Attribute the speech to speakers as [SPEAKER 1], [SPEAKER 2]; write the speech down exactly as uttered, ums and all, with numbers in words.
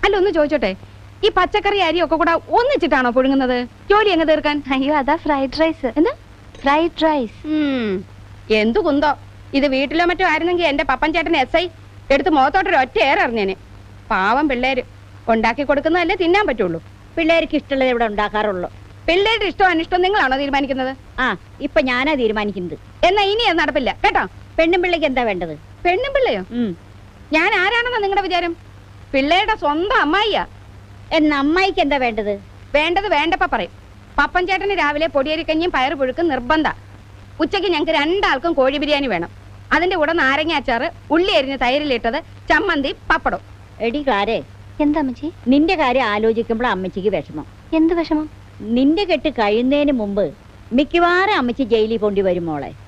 [SPEAKER 1] അല്ല ഒന്ന് ചോദിച്ചോട്ടെ, ഈ പച്ചക്കറി അരി ഒക്കെ കൂടെ ഒന്നിച്ചിട്ടാണോ പുഴുങ്ങുന്നത് ജോലി എങ്ങ് തീർക്കാൻ?
[SPEAKER 2] അയ്യോ അതാ ഫ്രൈഡ് റൈസ്. എന്താ ഫ്രൈഡ് റൈസ്?
[SPEAKER 1] എന്തു കുന്തോ ഇത്. വീട്ടിലോ മറ്റോ ആയിരുന്നെങ്കിൽ എന്റെ പപ്പൻ ചേട്ടൻ എസ് ഐ എടുത്ത് മുഖത്തോട്ടൊരു ഒറ്റ ഏററിഞ്ഞേനെ. പാവം പിള്ളേര് ഉണ്ടാക്കി കൊടുക്കുന്നതല്ലേ തിന്നാൻ പറ്റുള്ളൂ.
[SPEAKER 3] പിള്ളേർക്ക് ഇഷ്ടമുള്ളത് ഇവിടെ ഉണ്ടാക്കാറുള്ളൂ.
[SPEAKER 1] പിള്ളേരുടെ ഇഷ്ടം അനിഷ്ടം നിങ്ങളാണോ തീരുമാനിക്കുന്നത്?
[SPEAKER 3] ആ ഇപ്പൊ ഞാനാ തീരുമാനിക്കുന്നത്.
[SPEAKER 1] എന്നാ ഇനി അത് നടപ്പില്ല കേട്ടോ.
[SPEAKER 3] പെണ്ണും പിള്ളേക്ക് എന്താ വേണ്ടത്?
[SPEAKER 1] പെണ്ണും പിള്ളയോ? ഞാൻ ആരാണെന്നാ നിങ്ങളുടെ വിചാരം? പിള്ളേരുടെ സ്വന്തം അമ്മായിയാ.
[SPEAKER 3] എന്ന അമ്മായിക്ക് എന്താ വേണ്ടത്?
[SPEAKER 1] വേണ്ടത് വേണ്ടപ്പ പറയും. പപ്പൻ ചേട്ടന് രാവിലെ പൊടിയരിക്കഞ്ഞും പയറ് പുഴുക്കും നിർബന്ധ. ഉച്ചയ്ക്ക് ഞങ്ങൾക്ക് രണ്ടാൾക്കും കോഴി ബിരിയാണി വേണം. അതിന്റെ കൂടെ നാരങ്ങ അച്ചാറ്, ഉള്ളി അരിഞ്ഞ് തൈരിലിട്ടത്, ചമ്മന്തി, പപ്പടം.
[SPEAKER 3] എടി കാരേ,
[SPEAKER 2] എന്താ അമ്മച്ചി?
[SPEAKER 3] നിന്റെ കാര്യം ആലോചിക്കുമ്പോൾ അമ്മച്ചിക്ക് വിഷമം.
[SPEAKER 2] എന്ത് വിഷമം?
[SPEAKER 3] നിന്റെ കെട്ട് കഴിയുന്നതിന് മുമ്പ് മിക്കവാറും അമ്മച്ചി ജയിലിൽ കൊണ്ടുവരും മോളെ.